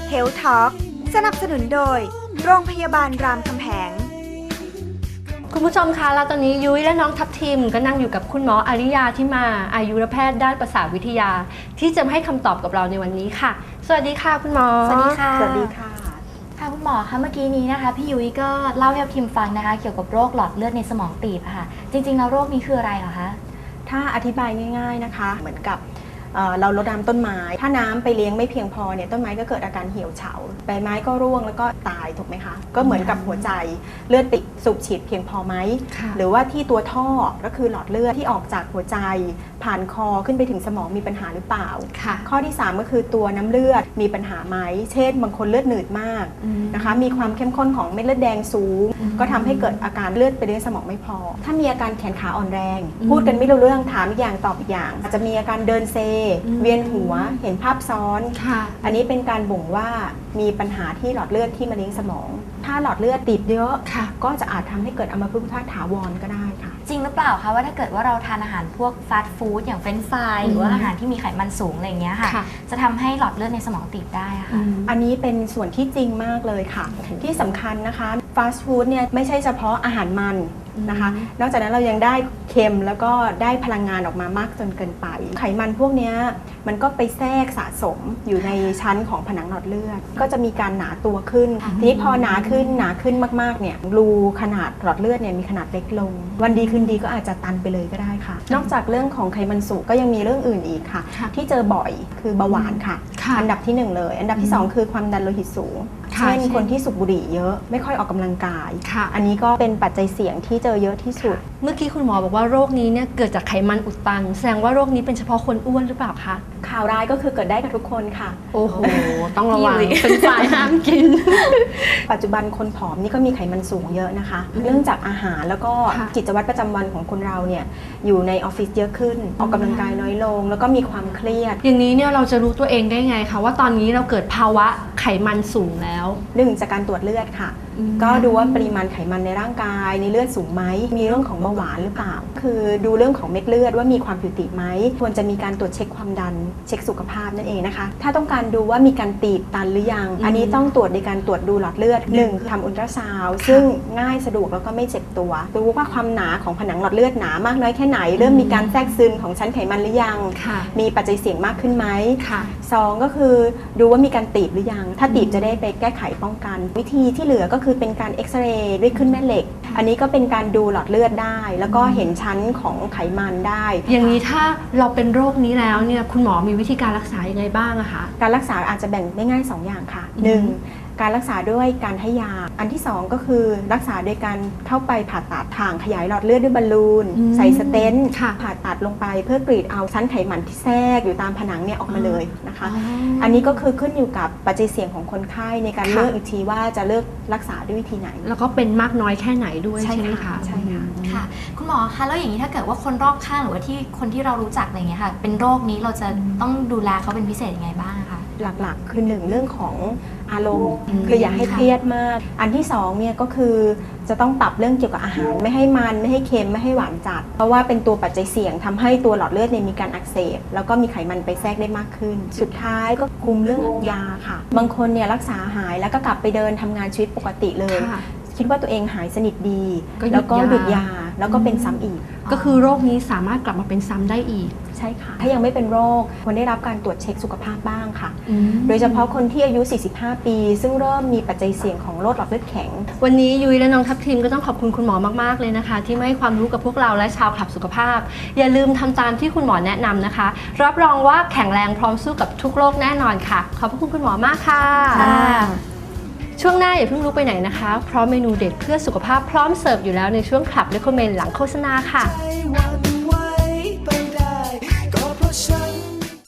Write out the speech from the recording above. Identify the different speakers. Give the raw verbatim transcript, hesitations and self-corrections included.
Speaker 1: Health Talk สนับสนุนโดยโรงพยาบาลรามคำแหง
Speaker 2: คุณผู้ชมคะแล้วตอนนี้ยุ้ยและน้องทัพทิมก็นั่งอยู่กับคุณหมออาริยาที่มาอายุรแพทย์ด้านประสาทวิทยาที่จะมาให้คำตอบกับเราในวันนี้ค่ะสวัสดีค่ะคุณหมอ
Speaker 3: สวัสดีค่ะ
Speaker 1: สวัสดีค่ะ
Speaker 3: ค่ะคุณหมอคะเมื่อกี้นี้นะคะพี่ยุ้ยก็เล่าให้ทัพทิมฟังนะคะเกี่ยวกับโรคหลอดเลือดในสมองตีบค่ะจริงๆแล้วโรคนี้คืออะไรเหรอคะ
Speaker 4: ถ้าอธิบายง่ายๆนะคะเหมือนกับเราลดน้ำต้นไม้ถ้าน้ำไปเลี้ยงไม่เพียงพอเนี่ยต้นไม้ก็เกิดอาการเหี่ยวเฉาใบไม้ก็ร่วงแล้วก็ตายถูกไหมคะก็เหมือนกับหัวใจเลือดติดสูบฉีดเพียงพอไหมหรือว่าที่ตัวท่อก็คือหลอดเลือดที่ออกจากหัวใจผ่านคอขึ้นไปถึงสมองมีปัญหาหรือเปล่าข้อที่สามก็คือตัวน้ำเลือดมีปัญหาไหมเช่นบางคนเลือดหนืดมากนะคะมีความเข้มข้นของเม็ดเลือดแดงสูงก็ทำให้เกิดอาการเลือดไปเลี้ยงสมองไม่พอถ้ามีอาการแขนขาอ่อนแรงพูดกันไม่รู้เรื่องถามอีกอย่างตอบอีกอย่างอาจจะมีอาการเดินเซเวียนหัวเห็นภาพซ้อนอันนี้เป็นการบ่งว่ามีปัญหาที่หลอดเลือดที่มาเลี้ยงสมองถ้าหลอดเลือดตีบเยอะก็จะอาจทำให้เกิดอัมพฤกษ์ถาวรก็ได้ค่ะ
Speaker 3: จริงหรือเปล่าคะว่าถ้าเกิดว่าเราทานอาหารพวกฟาสต์ฟู้ดอย่างเฟรนช์ฟรายหรือว่าอาหารที่มีไขมันสูงอะไรอย่างเงี้ยค่ะจะทำให้หลอดเลือดในสมองตีบได้ค่ะ
Speaker 4: อันนี้เป็นส่วนที่จริงมากเลยค่ะที่สำคัญนะคะฟาสต์ฟู้ดเนี่ยไม่ใช่เฉพาะอาหารมันนะคะนอกจากนั้นเรายังได้เค็มแล้วก็ได้พลังงานออกมามากจนเกินไปไขมันพวกนี้มันก็ไปแทรกสะสมอยู่ในชั้นของผนังหลอดเลือดก็จะมีการหนาตัวขึ้นทีนี้พอหนาขึ้นหนาขึ้นมากๆเนี่ยรูขนาดหลอดเลือดเนี่ยมีขนาดเล็กลงวันดีคืนดีก็อาจจะตันไปเลยก็ได้ค่ะนอกจากเรื่องของไขมันสูงก็ยังมีเรื่องอื่นอีกค่ะที่เจอบ่อยคือเบาหวานค่ะอันดับที่หนึ่งเลยอันดับที่สองคือความดันโลหิตสูงเช่นคนที่สูบบุหรี่เยอะไม่ค่อยออกกำลังกายอันนี้ก็เป็นปัจจัยเสี่ยงที่เจอเยอะที่สุด
Speaker 2: เมื่อกี้คุณหมอบอกว่าโรคนี้เนี่ยเกิดจากไขมันอุดตันแสดงว่าโรคนี้เป็นเฉพาะคนอ้วนหรือเปล่าคะ
Speaker 4: ข่าวร้ายก็คือเกิดได้กับทุกคนค่ะ
Speaker 2: โอ้โหต้องระวังเป็นฝ่ายห้ามกิน
Speaker 4: ปัจจุบันคนผอมนี่ก็มีไขมันสูงเยอะนะคะเนื่องจากอาหารแล้วก็กิจวัตรประจำวันของคนเราเนี่ยอยู่ในออฟฟิศเยอะขึ้นออกกำลังกายน้อยลงแล้วก็มีความเครียด
Speaker 2: อย่างนี้เนี่ยเราจะรู้ตัวเองได้ไงคะว่าตอนนี้เราเกิดภาวะไขมันสูงแล้ว
Speaker 4: หนึ่งจากการตรวจเลือดค่ะก็ดูว่าปริมาณไขมันในร่างกายในเลือดสูงไหมมีเรื่องของเบาหวานหรือเปล่าคือดูเรื่องของเม็ดเลือดว่ามีความผิวตีบไหมควรจะมีการตรวจเช็คความดันเช็คสุขภาพนั่นเองนะคะถ้าต้องการดูว่ามีการตีบตันหรือยังอันนี้ต้องตรวจในการตรวจดูหลอดเลือดหนึ่งทำอุลตราซาวด์ซึ่งง่ายสะดวกแล้วก็ไม่เจ็บตัวดูว่าความหนาของผนังหลอดเลือดหนามากน้อยแค่ไหนเริ่มมีการแทรกซึมของชั้นไขมันหรือยังมีปัจจัยเสี่ยงมากขึ้นไหมสองก็คือดูว่ามีการตีบหรือยังถ้าตีบจะได้ไปแก้ไขป้องกันวิธีที่เหลือก็คือเป็นการเอ็กซเรย์ด้วยขึ้นแม่เหล็กอันนี้ก็เป็นการดูหลอดเลือดได้แล้วก็เห็นชั้นของไขมันได้
Speaker 2: อย่างนี้ถ้าเราเป็นโรคนี้แล้วเนี่ยคุณหมอมีวิธีการรักษายังไงบ้างอะคะ
Speaker 4: การรักษาอาจจะแบ่งได้ง่ายสองอย่างค่ะหนึ่งการรักษาด้วยการให้ยาอันที่สองก็คือรักษาโดยการเข้าไปผ่าตัดถ่างขยายหลอดเลือดด้วยบอลลูนใส่สเตนต์ผ่าตัดลงไปเพื่อกรีดเอาชั้นไขมันที่แทรกอยู่ตามผนังเนี่ยออกมาเลยนะคะอันนี้ก็คือขึ้นอยู่กับปัจจัยเสี่ยงของคนไข้ในการเลือกอีกทีว่าจะเลือกรักษาด้วยวิธีไหน
Speaker 2: แล้วก็เป็นมากน้อยแค่ไหนด้วยใช่ไหมคะ
Speaker 4: ใช่ค่ะ
Speaker 3: ค่ะคุณหมอคะแล้วอย่างนี้ถ้าเกิดว่าคนรอบข้างหรือว่าที่คนที่เรารู้จักอะไรเงี้ยค่ะเป็นโรคนี้เราจะต้องดูแลเขาเป็นพิเศษยังไงบ้างคะ
Speaker 4: หลักๆคือหนึ่งเรื่องของอารมณ์คืออย่าให้เครียดมากอันที่สองเนี่ยก็คือจะต้องปรับเรื่องเกี่ยวกับอาหารไม่ให้มันไม่ให้เค็มไม่ให้หวานจัดเพราะว่าเป็นตัวปัจจัยเสี่ยงทำให้ตัวหลอดเลือดเนี่ยมีการอักเสบแล้วก็มีไขมันไปแทรกได้มากขึ้นสุดท้ายก็คุมเรื่องยาค่ะบางคนเนี่ยรักษาหายแล้วก็กลับไปเดินทำงานชีวิตปกติเลยคิดว่าตัวเองหายสนิทดีแล้วก็หยุดยาแล้วก็เป็นซ้ำอีก
Speaker 2: ก็คือโรคนี้สามารถกลับมาเป็นซ้ำได้อีก
Speaker 4: ใช่ค่ะถ้ายังไม่เป็นโรคควรได้รับการตรวจเช็คสุขภาพบ้างค่ะโดยเฉพาะคนที่อายุสี่สิบห้าปีซึ่งเริ่มมีปัจจัยเสี่ยงของโรคหลอดเลือดแข็ง
Speaker 2: วันนี้ยุ้ยและน้องทัพทิมก็ต้องขอบคุณคุณหมอมากๆเลยนะคะที่มาให้ความรู้กับพวกเราและชาวคลับสุขภาพอย่าลืมทำตามที่คุณหมอแนะนำนะคะรับรองว่าแข็งแรงพร้อมสู้กับทุกโรคแน่นอนค่ะขอบคุณคุณหมอมากค่ะช่วงหน้าอย่าเพิ่งลุกไปไหนนะคะเพราะเมนูเด็ดเพื่อสุขภาพพร้อมเสิร์ฟอยู่แล้วในช่วงคลับเรคคอมเมนต์หลังโฆษณาค่ะ